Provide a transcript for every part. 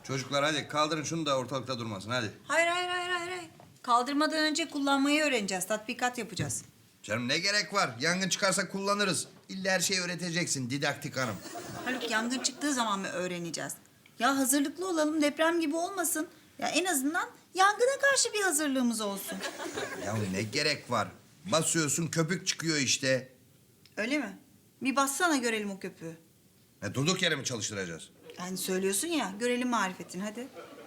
Çocuklar hadi kaldırın şunu da ortalıkta durmasın hadi. Hayır. Kaldırmadan önce kullanmayı öğreneceğiz. Tatbikat yapacağız. Canım ne gerek var? Yangın çıkarsa kullanırız. İlla her şeyi öğreteceksin didaktik hanım. Haluk, yangın çıktığı zaman mı öğreneceğiz? Ya hazırlıklı olalım, deprem gibi olmasın. Ya en azından yangına karşı bir hazırlığımız olsun. Ya ne gerek var? Basıyorsun köpük çıkıyor işte. Öyle mi? Bir bassana görelim o köpüğü. Durduk yere mi çalıştıracağız? Yani söylüyorsun ya, görelim marifetini hadi.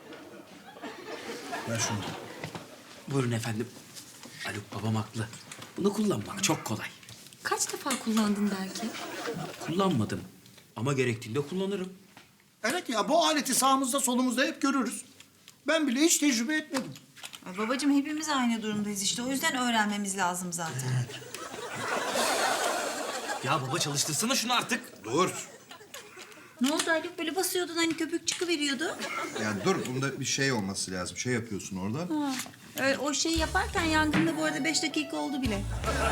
Ver şunu. Buyurun efendim. Haluk babam haklı. Bunu kullanmak çok kolay. Kaç defa kullandın belki? Kullanmadım ama gerektiğinde kullanırım. Evet ya, bu aleti sağımızda solumuzda hep görürüz. Ben bile hiç tecrübe etmedim. Ay babacığım, hepimiz aynı durumdayız işte. O yüzden öğrenmemiz lazım zaten. Ya baba çalıştırsana şunu artık. Dur. Ne oldu Haluk? Böyle basıyordun hani köpük çıkıveriyordu. Ya dur bunda bir şey olması lazım. Şey yapıyorsun orada. Ha. Öyle, o şeyi yaparken yangında bu arada 5 dakika oldu bile.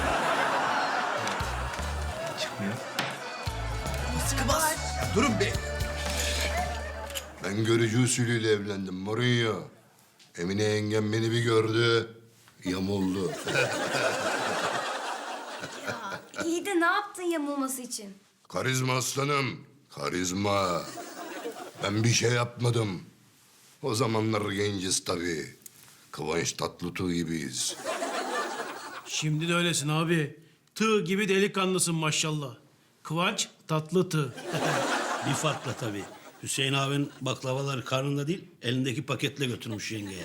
Çıkmıyor. Sıkı bas. Ya durun be. Ben görücü usulüyle evlendim Mourinho. Emine yengem beni bir gördü, yamuldu. İyi de ne yaptın yamulması için? Karizma aslanım, karizma. Ben bir şey yapmadım. O zamanlar genciz tabii. Kıvanç Tatlıtuğ gibiyiz. Şimdi de öylesin abi. Tığ gibi delikanlısın maşallah. Kıvanç tatlı tığ. Bir farkla tabii. Hüseyin abinin baklavaları karnında değil, elindeki paketle götürmüş yengeye.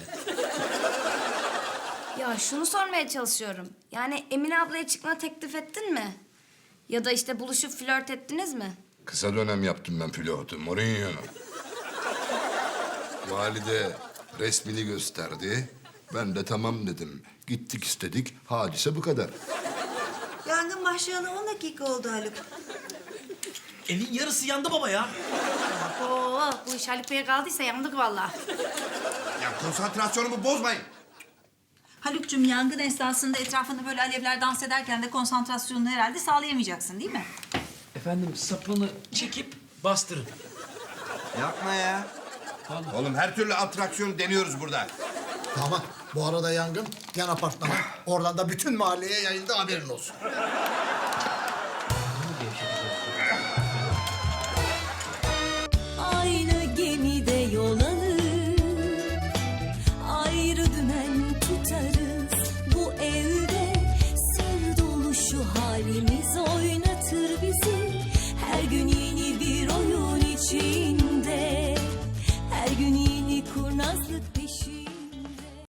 Ya şunu sormaya çalışıyorum. Yani Emine ablaya çıkma teklif ettin mi? Ya da işte buluşup flört ettiniz mi? Kısa dönem yaptım ben pilotu Mourinho. Valide resmini gösterdi. Ben de tamam dedim. Gittik istedik. Hadise bu kadar. Yangın başlayalı 10 dakika oldu Haluk. Evin yarısı yandı baba ya. Oo, bu iş Haluk Bey'e kaldıysa yandık vallahi. Ya konsantrasyonumu bozmayın. Haluk'cum, yangın esnasında etrafında böyle alevler dans ederken de konsantrasyonunu herhalde sağlayamayacaksın değil mi? Efendim sapını çekip bastırın. Yapma ya. Oğlum her türlü atraksiyon deniyoruz burada. Tamam. Bu arada yangın yan apartmana. Oradan da bütün mahalleye yayıldı, haberin olsun. Aynı gemide yol alır, ayrı dümen tutarız. Bu evde sır dolu şu halimiz oynatır bizi. Her gün yeni bir oyun içinde, her gün yeni kurnazlık peşinde.